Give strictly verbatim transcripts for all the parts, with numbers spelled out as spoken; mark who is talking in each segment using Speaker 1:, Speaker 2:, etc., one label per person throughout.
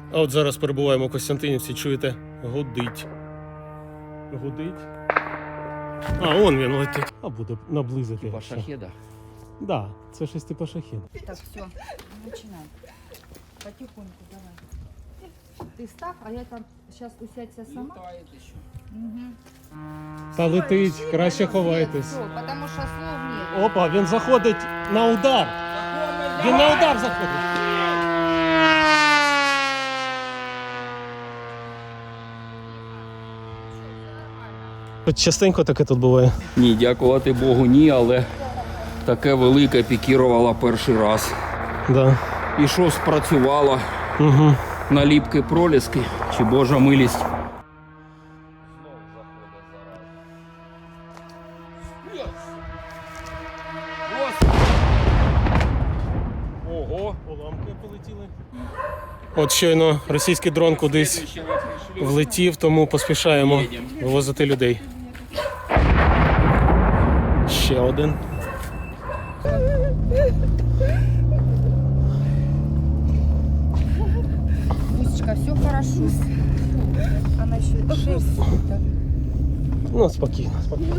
Speaker 1: А от зараз перебуваємо в Костянтинівці, чуєте, гудить. Гудить. А, он він летить. А буде наблизити.
Speaker 2: Типа шахеда?
Speaker 1: Да, це щось типу шахеда.
Speaker 3: Так, все, начинаем. Потихоньку давай. Ты став, а я там сейчас усядься сама. Угу.
Speaker 1: Та летить, краще ховайтесь.
Speaker 3: Все, потому что слов нет.
Speaker 1: Опа, він заходить на удар. Він на удар заходить. Частенько таке тут буває.
Speaker 2: Ні, дякувати Богу, ні, але таке велике пікірувало перший раз.
Speaker 1: Да.
Speaker 2: І що спрацювало?
Speaker 1: Угу.
Speaker 2: Наліпки проліски чи Божа милість? Ого!
Speaker 1: Уламки полетіли. От щойно російський дрон кудись влетів, тому поспішаємо вивозити людей. Ще один.
Speaker 3: Бусечка, все хорошо. Она еще шесть.
Speaker 1: Ну, спокійно, спокійно.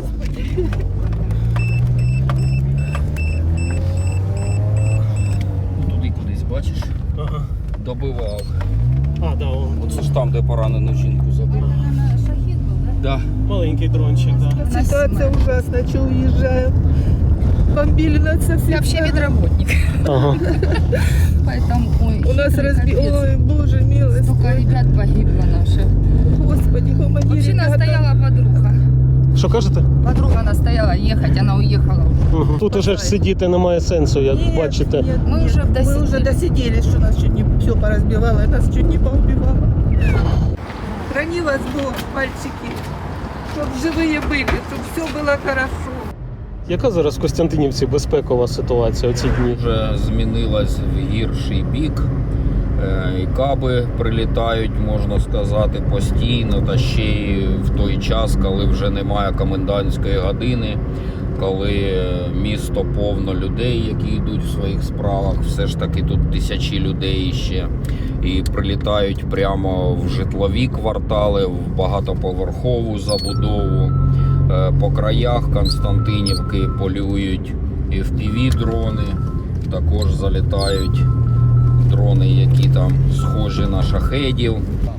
Speaker 2: Туди кудись, бачиш?
Speaker 1: Ага.
Speaker 2: Добивав.
Speaker 1: А, да, он.
Speaker 2: Оце ж там, де поранену жінку забив.
Speaker 3: Наверное, шахид был, да?
Speaker 2: Да.
Speaker 1: Маленький дрончик, да.
Speaker 4: Ситуация ужасная, что уезжаем. Бомбили нас со
Speaker 3: Я
Speaker 4: всех
Speaker 3: вообще
Speaker 4: сторон.
Speaker 3: медработник.
Speaker 1: Ага.
Speaker 3: Поэтому, ой,
Speaker 4: У нас разби...
Speaker 3: капец.
Speaker 4: Ой, боже милость.
Speaker 3: Столько ребят погибло наших.
Speaker 4: Господи, помоги,
Speaker 3: Вообще
Speaker 4: ребята.
Speaker 3: настояла подруга.
Speaker 1: Що кажете?
Speaker 3: Подруга настояла ехать, она уехала.
Speaker 1: Угу. Тут уже ж сидіти немає сенсу, як
Speaker 4: Нет,
Speaker 1: бачите.
Speaker 4: нет,
Speaker 3: Мы
Speaker 4: нет.
Speaker 3: уже
Speaker 4: Мы
Speaker 3: досидели.
Speaker 4: уже досиделись, что нас чуть не все поразбивало, нас чуть не поубивало. Храни вас Бог, мальчики, чтоб живые были, чтоб все было хорошо.
Speaker 1: Яка зараз в Костянтинівці безпекова ситуація у ці дні?
Speaker 2: Вже змінилась в гірший бік. Е, І каби прилітають, можна сказати, постійно, та ще й в той час, коли вже немає комендантської години, коли місто повно людей, які йдуть в своїх справах, все ж таки тут тисячі людей ще, і прилітають прямо в житлові квартали, в багатоповерхову забудову. Е, По краях Константинівки полюють і еф пі ві-дрони, також залітають дрони, які там схожі на шахедів.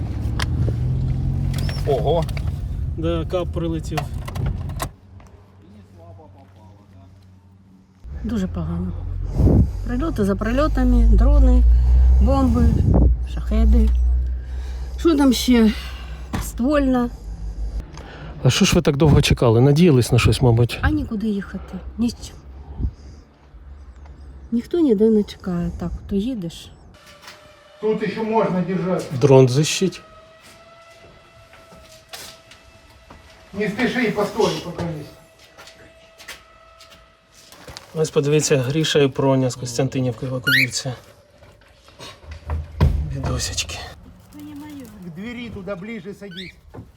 Speaker 2: Ого!
Speaker 1: Да, кап прилетів.
Speaker 5: Дуже погано. Прильоти за прильотами, дрони, бомби, шахеди. Що там ще? Ствольна.
Speaker 1: А що ж ви так довго чекали? Надіялись на щось, мабуть?
Speaker 5: А нікуди їхати. Ні з чим. Ніхто ніде не чекає. Так, то їдеш.
Speaker 6: Тут еще можно держать.
Speaker 1: Дрон защить.
Speaker 6: Не спеши, постой, пока есть.
Speaker 1: Ось подивіться, Гріша і Проня з Костянтинівки евакуюються. Бідосечки.
Speaker 6: К двери туда ближе садись.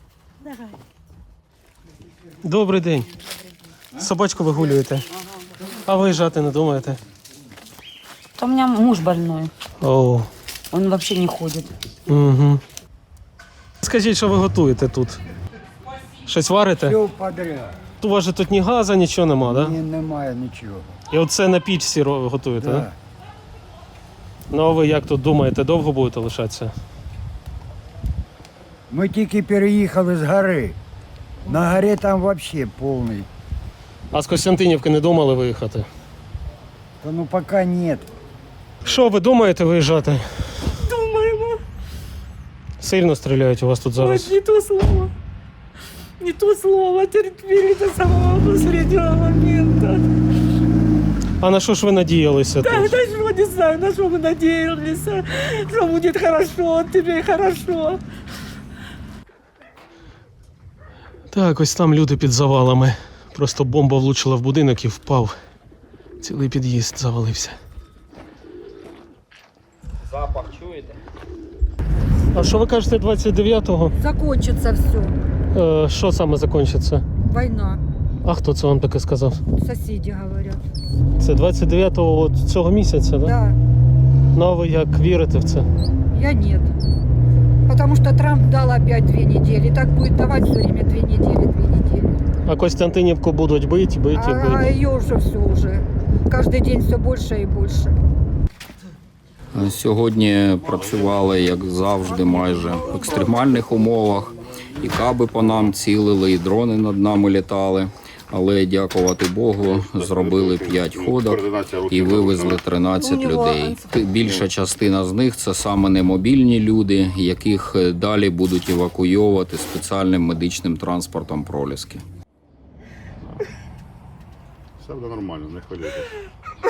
Speaker 1: Добрий день. Собачку вигулюєте. А виїжджати не думаєте?
Speaker 7: У меня муж больной,
Speaker 1: О,
Speaker 7: он вообще не ходит.
Speaker 1: угу. Скажіть, що ви готуєте тут? Щось варите?
Speaker 8: Все подряд.
Speaker 1: У вас же тут ні газу, нічого нема, так?
Speaker 8: Ні,
Speaker 1: Да?
Speaker 8: немає нічого.
Speaker 1: І оце на пічці ро- готуєте, так?
Speaker 8: Да.
Speaker 1: Да? Ну а ви як тут думаєте, довго будете лишатися?
Speaker 8: Ми тільки переїхали з гори. На горі там взагалі повний.
Speaker 1: А з Костянтинівки не думали виїхати?
Speaker 8: Та ну поки ні.
Speaker 1: Що ви думаєте виїжджати?
Speaker 4: Думаємо.
Speaker 1: Сильно стріляють у вас тут зараз?
Speaker 4: Не то слово. Не то слово. Терпели до самого последнего момента.
Speaker 1: А на що ж ви надіялися
Speaker 4: Да,
Speaker 1: тут?
Speaker 4: на что, не знаю, на что мы надеялись, что будет хорошо, тебе хорошо.
Speaker 1: Так, ось там люди під завалами. Просто бомба влучила в будинок і впав. Цілий під'їзд завалився.
Speaker 2: Запах чуєте?
Speaker 1: А що ви кажете двадцять дев'ятого?
Speaker 3: Закончится все.
Speaker 1: Е, що саме закінчиться?
Speaker 3: Война.
Speaker 1: А хто це вам таке сказав?
Speaker 3: Соседи говорят.
Speaker 1: Це двадцять дев'ятого от цього місяця, так? Да?
Speaker 3: Да,
Speaker 1: Ну а ви як вірите в це?
Speaker 3: я нет.
Speaker 4: Потому что Трамп дал опять две недели. Так будет давать все время две недели, две недели.
Speaker 1: А Костянтинівку будуть бити, бити,
Speaker 4: А, а
Speaker 1: бити.
Speaker 4: ее уже все уже. Каждый день все больше и больше.
Speaker 2: Сьогодні працювали, як завжди, майже в екстремальних умовах. І каби по нам цілили, і дрони над нами літали. Але, дякувати Богу, зробили п'ять ходок і вивезли тринадцять людей. Більша частина з них – це саме немобільні люди, яких далі будуть евакуйовувати спеціальним медичним транспортом «Проліски».
Speaker 9: Все буде нормально, не хвилюйтесь.